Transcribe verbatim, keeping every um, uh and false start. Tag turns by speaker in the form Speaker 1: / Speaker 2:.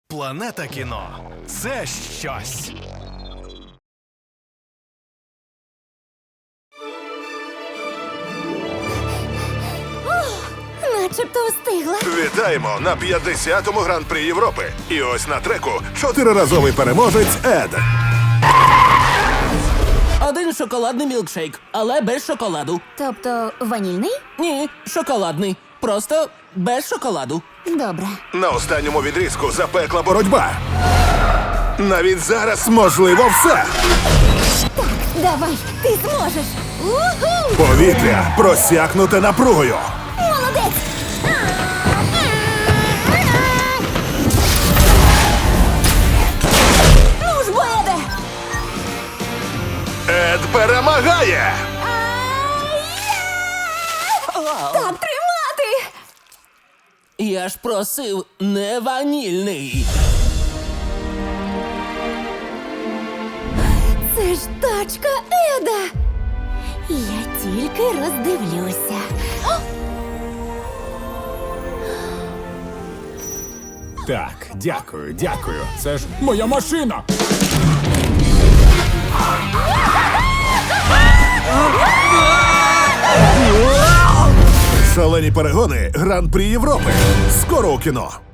Speaker 1: Планета кіно – це щось.
Speaker 2: Начебто встигла.
Speaker 3: Вітаємо на п'ятдесятому гран-прі Європи. І ось на треку чотириразовий переможець Ед.
Speaker 4: Один шоколадний мілкшейк, але без шоколаду.
Speaker 2: Тобто ванільний?
Speaker 4: Ні, шоколадний. Просто без шоколаду.
Speaker 2: Добре.
Speaker 3: На останньому відрізку запекла боротьба. Навіть зараз можливо все.
Speaker 2: Давай, ти зможеш. Уху!
Speaker 3: Повітря просякнуте напругою.
Speaker 2: Молодець! Ну ж, бо, Еде!
Speaker 3: Ед перемагає!
Speaker 2: Так тримати!
Speaker 4: Я ж просив не ванільний.
Speaker 2: Це ж тачка Еда! Я тільки роздивлюся.
Speaker 5: Так, дякую, дякую. Це ж моя машина.
Speaker 3: Шалені перегони Гран-прі Європи. Скоро у кіно.